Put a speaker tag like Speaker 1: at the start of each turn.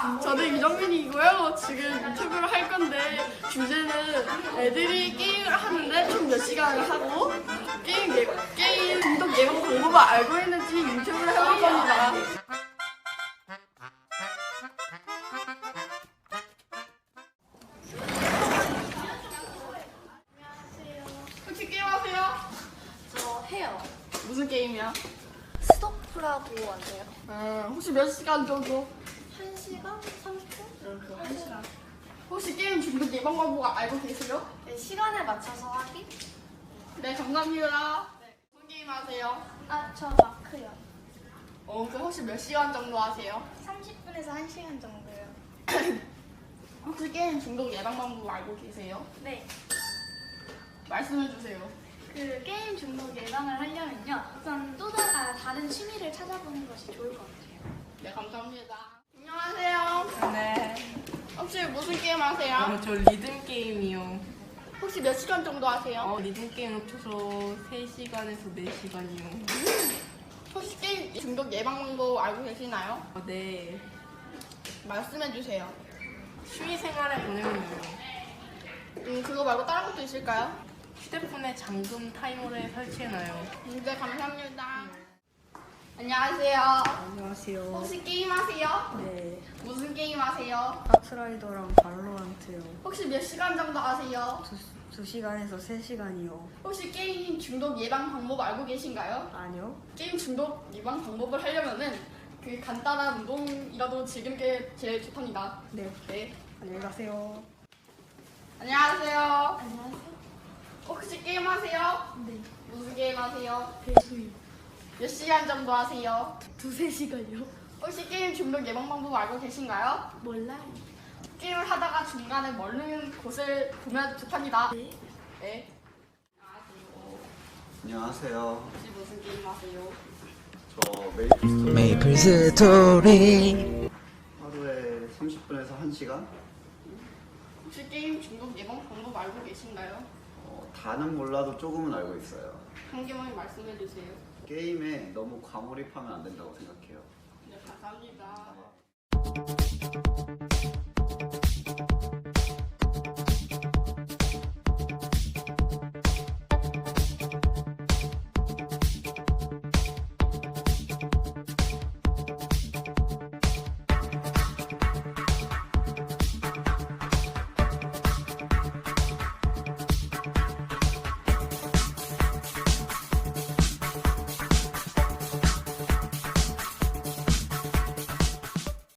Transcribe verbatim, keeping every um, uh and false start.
Speaker 1: 저는 이정민이고요. 지금 유튜브를 할 건데 주제는 애들이 게임을 하는데 총 몇 시간을 하고 게임 예, 게임 중독 예방 방법을 알고 있는지 유튜브를 해볼 겁니다. 혹시 게임 하세요?
Speaker 2: 저 해요.
Speaker 1: 무슨 게임이야?
Speaker 2: 스토프라고 하세요?
Speaker 1: 음, 혹시 몇 시간 정도?
Speaker 2: 한 시간? 삼십 분?
Speaker 1: 이렇게 한 시간. 혹시 게임 중독 예방 방법 알고 계세요?
Speaker 2: 네, 시간에 맞춰서 하기?
Speaker 1: 네, 감사합니다. 네, 무슨 게임 하세요?
Speaker 2: 아, 저 마크요.
Speaker 1: 어, 그 혹시 몇 시간 정도 하세요?
Speaker 2: 삼십 분에서 한 시간 정도요.
Speaker 1: 혹시 게임 중독 예방 방법 알고 계세요?
Speaker 2: 네.
Speaker 1: 말씀해 주세요.
Speaker 2: 그 게임 중독 예방을 하려면요. 우선 또 다, 아, 다른 취미를 찾아보는 것이 좋을 것 같아요.
Speaker 1: 네, 감사합니다. 안녕하세요.
Speaker 3: 네.
Speaker 1: 혹시 무슨 게임 하세요?
Speaker 3: 어, 저 리듬 게임이요.
Speaker 1: 혹시 몇 시간 정도 하세요?
Speaker 3: 어, 리듬 게임 합쳐서 세 시간에서 네 시간이요.
Speaker 1: 혹시 게임 중독 예방 방법 알고 계시나요?
Speaker 3: 어, 네.
Speaker 1: 말씀해 주세요.
Speaker 3: 취미 생활에 보내면요.
Speaker 1: 음, 그거 말고 다른 것도 있을까요?
Speaker 3: 휴대폰에 잠금 타이머를 설치해놔요.
Speaker 1: 음, 네, 감사합니다. 안녕하세요.
Speaker 4: 안녕하세요.
Speaker 1: 혹시 게임 하세요?
Speaker 4: 네,
Speaker 1: 무슨 게임 하세요?
Speaker 4: 카트라이더랑 발로란트요.
Speaker 1: 혹시 몇 시간 정도 하세요?
Speaker 4: 두, 두 시간에서 세 시간이요.
Speaker 1: 혹시 게임 중독 예방 방법 알고 계신가요?
Speaker 4: 아니요?
Speaker 1: 게임 중독 예방 방법을 하려면은 그 간단한 운동이라도 즐기는 게 제일 좋답니다.
Speaker 4: 네,
Speaker 1: 네.
Speaker 4: 안녕히 가세요.
Speaker 1: 안녕하세요.
Speaker 2: 안녕하세요.
Speaker 1: 혹시 게임 하세요?
Speaker 2: 네.
Speaker 1: 무슨 게임 하세요?
Speaker 2: 배수요.
Speaker 1: 몇 시간 정도 하세요?
Speaker 2: 두세 시간요?
Speaker 1: 혹시 게임 중독 예방 방법 알고 계신가요?
Speaker 2: 몰라요.
Speaker 1: 게임을 하다가 중간에 멀는 곳을 보면 좋답니다.
Speaker 2: 네.
Speaker 1: 네. 안녕하세요.
Speaker 5: 안녕하세요.
Speaker 1: 혹시 무슨 게임 하세요?
Speaker 5: 저 메이플 스토리
Speaker 6: 메이플 스토리
Speaker 5: 하루에 삼십 분에서 한 시간?
Speaker 1: 혹시 게임 중독 예방 방법 알고 계신가요?
Speaker 5: 어, 다는 몰라도 조금은 알고 있어요.
Speaker 1: 한 개만 말씀해 주세요.
Speaker 5: 게임에 너무 과몰입하면 안 된다고 생각해요.
Speaker 1: 네, 감사합니다.